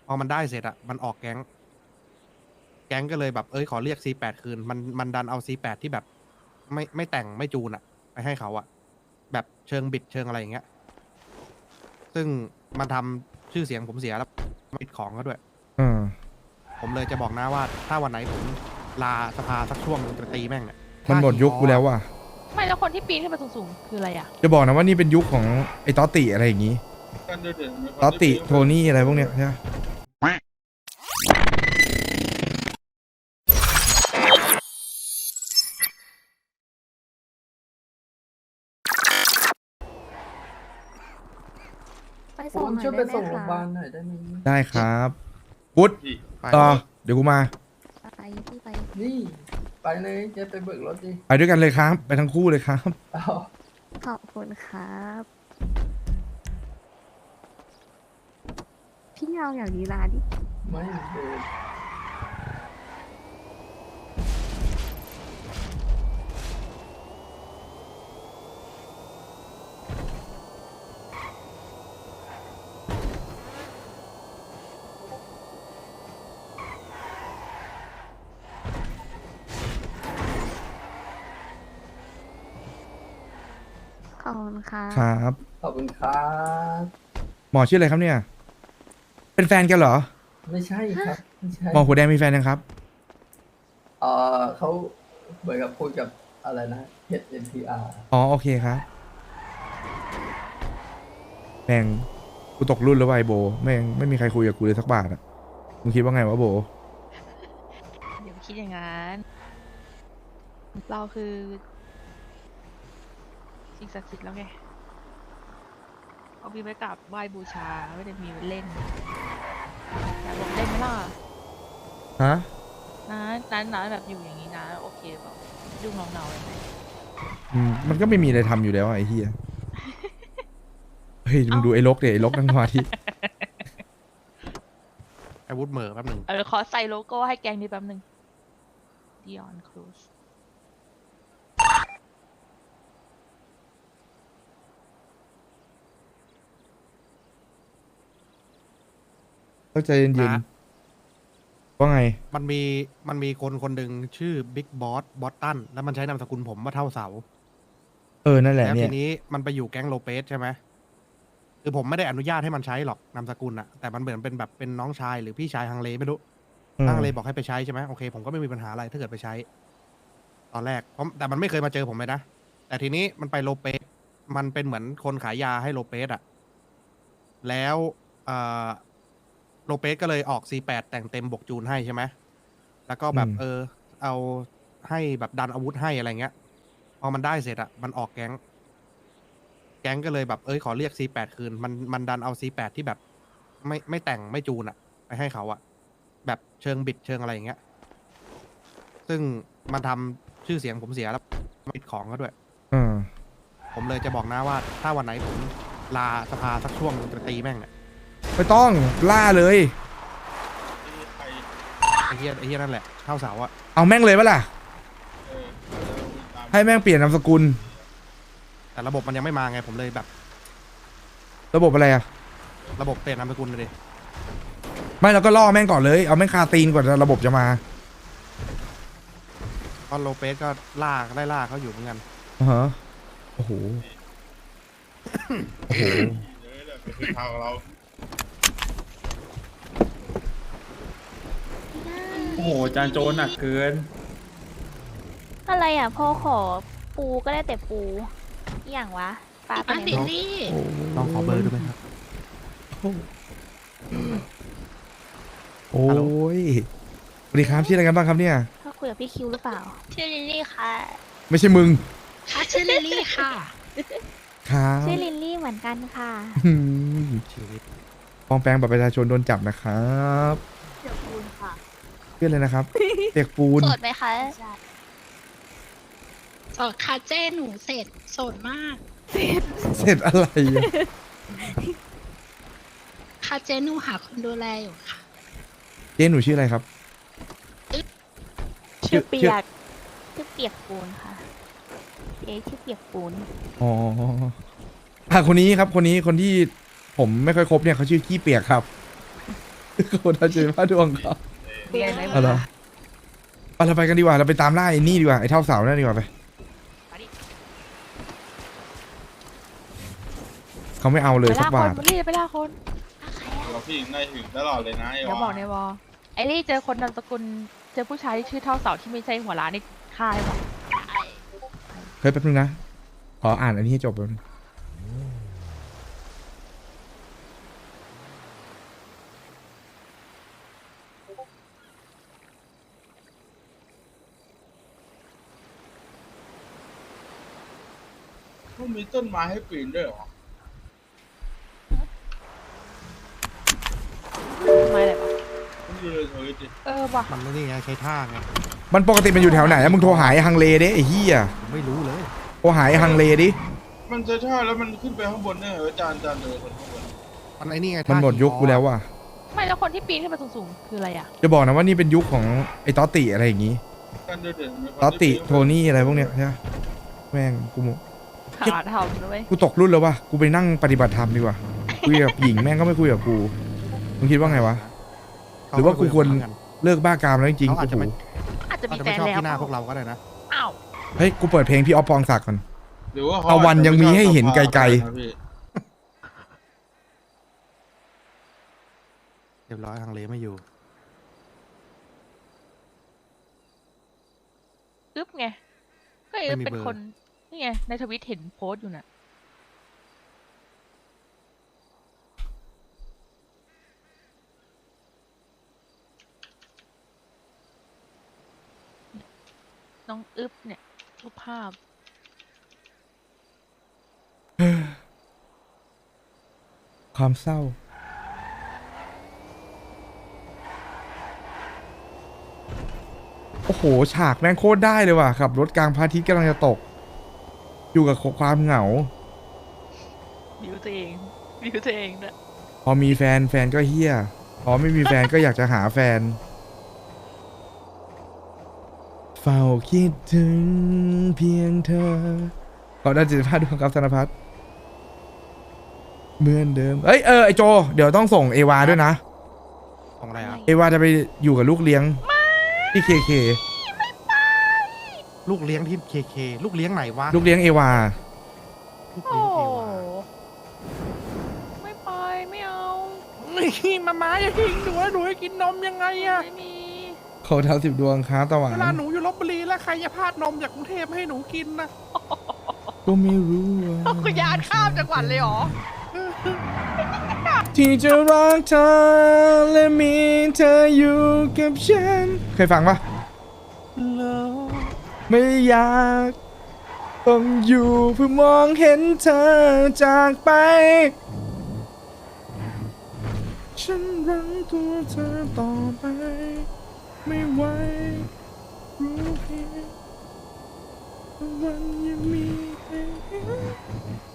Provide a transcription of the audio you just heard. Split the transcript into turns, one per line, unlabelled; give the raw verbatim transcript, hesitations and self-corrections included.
พอมันได้เสร็จอะมันออกแก๊งแก๊งก็เลยแบบเอ้ยขอเรียก ซี แปด คืนมันมันดันเอา ซี แปด ที่แบบไม่ไม่แต่งไม่จูนอะไปให้เขาอะแบบเชิงบิดเชิงอะไรอย่างเงี้ยซึ่งมันทำชื่อเสียงผมเสียแล้วปิดของเขาด้วย
อืม
ผมเลยจะบอกนะว่าถ้าวันไหนผมลาสภาสักช่วงจะตีแม่งเนี่ย
มันหมดยุคกูแล้วว่ะ
ไม่แล้วคนที่ปีนขึ้นไปสูงๆคืออะไรอ่ะ
จะบอกนะว่านี่เป็นยุคของไอ้ตอตติอะไรอย่างงี้ตอตติโทนี่อะไรพวกเนี้ยใช่ไหม
ไป
ผ
ส่ง
ม
หน่อย
ช่วยไป
ได้
ส่ง
ไหม
โรงพยาบา
คะ
ลหน่อยได้ไหม
ได้ครับพุทธ
ไป
ต่อเดี๋ยวกูมา
ไปพี่ไป
นี่ ไปเลยจะไปเบิกรถดิ
ไปด้วยกันเลยครับ ไปทั้งคู่เลยครับ
เอา
ขอบคุณครับ พี่เงาอย่างนี้ลาดิ
ไม่เดิน
ขอบคุณครับ
ครับ
ขอบคุณครับ
หมอชื่ออะไรครับเนี่ย เป็นแฟนกันเหรอ
ไม่ใช่ครับ ไม่ใช่
หมอหัวแดงมีแฟนยังครับ
เออเขาเหมือนกับคุยกับอะไรนะ H N P R
อ๋อโอเคครับแม่งกูตกรุ่นแล้ววายโบแม่งไม่มีใครคุยกับกูเลยสักบาทอ่ะมึงคิดว่าไงวะโบ
เดี๋ยวคิดอย่างนั้น เราคือสิ่งศักดิ์สิทธิ์แล้วไงเอามีไว้กราบไหว้บูชาไม่ได้มีไว้เล่นอยากลงเล่นไหมล่ะ
ฮะ
นะนั้นนะแบบอยู่อย่างนี้นะโอเคเปล่ายุ่งเงาๆเลยไหม
อืมมันก็ไม่มีอะไรทำอยู่แล้วอะไอ้เหี้ยเฮ้ยมึงดูไอ้ลกเดี๋ยไอ้ลกนั่งสมาธิ
ไอ้วุฒเหม่อแป๊บหนึ่ง
เออขอใส่โลโก้ให้แกงนี้แป๊บหนึ่ง Dion Cruz
เข้าใจเย็น
นะ
ๆว่าไง
มันมีมันมีคนคนหนึ่งชื่อบิ๊กบอสบอสตันแล้วมันใช้นามสกุลผมว่าเท่าเสา
เออนั่นแหละ
แล้ว
เนี่
ที
ย
นี้มันไปอยู่แก๊งโลเปสใช่ไหมคือผมไม่ได้อนุญาตให้มันใช้หรอกนามสกุลอะแต่มันเหมือนเป็นแบบเป็นน้องชายหรือพี่ชายฮังเลไม่รู้
อืม
ฮังเลบอกให้ไปใช้ใช่ไหมโอเคผมก็ไม่มีปัญหาอะไรถ้าเกิดไปใช้ ตอนแรกเพราะแต่มันไม่เคยมาเจอผมเลยนะ แต่ทีนี้มันไปโลเปสมันเป็นเหมือนคนขายยาให้โลเปสอะแล้วเอ่อโลเปสก็เลยออก ซี แปด แต่งเต็มบวกจูนให้ใช่ไหมแล้วก็แบบ
อืม
เออ เอาให้แบบดันอาวุธให้อะไรเงี้ย พอมันได้เสร็จอะมันออกแก๊ง แก๊งก็เลยแบบเอ้ยขอเรียก ซี แปด คืนมันมันดันเอา ซี แปด ที่แบบไม่ไม่แต่งไม่จูนอะไปให้เขาอะแบบเชิงบิดเชิงอะไรอย่างเงี้ย ซึ่งมันทำชื่อเสียงผมเสียแล้วปิดของเขาด้วย
อืม
ผมเลยจะบอกนะว่าถ้าวันไหนผมลาสภาสักช่วงจะตีแม่งเนี่ย
ไม่ต้องล่าเลย
ไอ้เฮียไอ้เฮียนั่นแหละเท่าเสาอะ
เอาแม่งเลยปะล่ะให้แม่งเปลี่ยนนามสกุล
แต่ระบบมันยังไม่มาไงผมเลยแบบ
ระบบอะไรอะ
ระบบเปลี่ยนนามสกุลเลยดิ
ไม่เราก็ล่อแม่งก่อนเลย เอาแม่งคาตีนก่อนระบบจะมา
เพราะโลเปสก็ล่าได้ล่าเขาอยู่เหมือนกัน
อ่าฮะโอ้โห โอ้โห
โอ้โหจานโจรหนักเกิน
อะไรอ่ะพ่อขอปูก็ได้แต่ปูอหย่างวะปลาไปไหนวะ
ต้องขอเบอร์ด้วยไหมครับ
โอ้ยสวัสดีครับชื่ออะไรกันบ้างครับเนี่ย
เขาคุยกับพี่คิวหรือเปล่า ชื่อลิลลี่ค่ะ
ไม่ใช่มึง
ค่ะชื่อลิลลี่ค่ะ
ครับ
ชื่อลิลลี่เหมือนกันค่ะ
อืม
ชีวิต
ปลอมแปลงบัตรประชาชนโดนจับนะครับ
เดี๋ยวปูนค่ะ
เพื่อนเลยนะครับเปียกปูน
โสดไหมคะ
โสดค่ะเจ้หนูเสร็จโสดมาก
เสร็จอะไรอะ
ค่ะเจ้หนูหาคนดูแลอยู่ค่ะ
เจ๊หนูชื่ออะไรครับ
ชื่อเปี
ชื่อ
ยก ชื่อเปียกปูนค่ะเจ๊ชื่อเปียกปูน
อ๋ออ่ะคนนี้ครับ คนนี้คนที่ผมไม่ค่อยคบเนี่ยเขาชื่อขี้เปียกครับคนทำเจนผ้าดวงเขา
เรียนไหม
เอาเหรอไปเราไปกันดีกว่าเราไปตามล่าไอ้นี่ดีกว่าไอ้เท่าเสานั่นดีกว่าไปเขาไม่เอาเลย
ไป
สั
ล่าก คน
บาท
มารีบไปล่าคน
เราพี่ได้ถึงตลอดเลยนะไอ้
เดี๋ยวบอกในวอลไอ้ลี่เจอคนนามสกุลเจอผู้ชายที่ชื่อเท่าเสาที่ไม่ใช่หัวล้านนี่ฆ่าได้ปะ
เฮ้ยแป๊บนึงนะขออ่านอันนี้ให้จบแป๊บนึง
มันมีต้นไม้ให้ปีนด้วยเหรอ
ทำไมอะไรวะ
มันอยู่ในทวิตดิ
เออว่ะ
มันนี่ไงใช้ท่าไง
มันปกติมันอยู่แถวไหนอะมึงโทรหาไอ้ฮังเลดิไอ้เหี้ย
ผมไม่รู้เลย
โทรหาไอ้ฮังเลดิ
มันจะใช่แล้วมันขึ้นไปข้างบนได้ไงวะจานจานเดินคนข้างบน
มันไอ้นี่ไง
มัน
ท่า
หมดยุคกูแล้วว่ะ
ไม่แล้วคนที่ปีนขึ้นไปสูงๆคืออะไรอ่ะ
จะบอกนะว่านี่เป็นยุคของไอ้ตอตติอะไรอย่างงี้
จานเดินเดินมีคน
ตอตติ
ที่ปี
โทนี่อะไรพวกเนี้ยใช่ไหมแม่งกู
ขาทำด้วย
กูตกรุ่นแล้วว่ะกูไปนั่งปฏิบัติธรรมดีกว่าคุยกับหญิงแม่งก็ไม่คุยกับกูมึงคิดว่าไงวะ หรือว่ากูควร เลิกบ้ากามแล้วจริงๆ
เขาอาจจะ
โอ้
ไม่
โห
อาจจะ
อา
มี
จจะ
แฟ
ไม่
น
ชอบ
แล้ว
ที่หน้า
เป
พวก
ล่า
เราก็ได้นะ
อ้าว
เฮ้ยกูเปิดเพลงพี่ออฟปองศักดิ์ก่อน
หรือว่าเขา
ตะวันยังมีให้เห็นไกลๆ
นะพี่
เรียบร้อยทางเลไม่อยู่
อึ๊บไงก็อึ๊บเป็นคนนี่ไงในทวิตเห็นโพสต์อยู่น่ะน้องอึ๊บเนี่ยรูปภาพ
ความเศร้า โอ้โห ฉากแม่งโคตรได้เลยว่ะขับรถกลางพระอาทิตย์กำลังจะตก อยู่กับความเหงา
วิวตัวเองวิวตัวเองด้วย
พอมีแฟนแฟนก็เฮี้ย พอไม่มีแฟนก็อยากจะหาแฟน เฝ้าคิดถึงเพียงเธอขอได้จิตภาพดวงกับธนพัฒน์เหมือนเดิม เอ้ยเออไอโจ เดี๋ยวต้องส่งเอวาด้วยนะ
ของอะไรอ่ะ
เอวาจะไปอยู่กับลูกเลี้ยงที่เคเค
ลูกเลี้ยงที่เคเคลูกเลี้ยงไหนวะ
ลูกเลี้ยงเอวา
ลูก
โอ้
เลี้ยงเอวา
ไม่ไปไม่เอา
นี่มาม้าอย่าทิ้งหนูหนูให้กินนมยังไงอะ
ไม่มี
เขาเท้าสิบดวงค้าตะหวา
เวน ลาหนูอยู่ลบบุรีแล้วใครจะพาดนมจากกรุงเทพให้หนูกินนะ
ก็ไม่รู้ว่า
คุณยานข้ามจังหวัดเลยเหรอ
ที่จะรักเธอและมีเธออยู่กับฉัน เคยฟังปะไม่อยากต้องอยู่เพื่อมองเห็นเธอจากไป ฉันรักตัวเธอต่อไป ไม่ไหวรู้เพียงว่าวันยังมีให้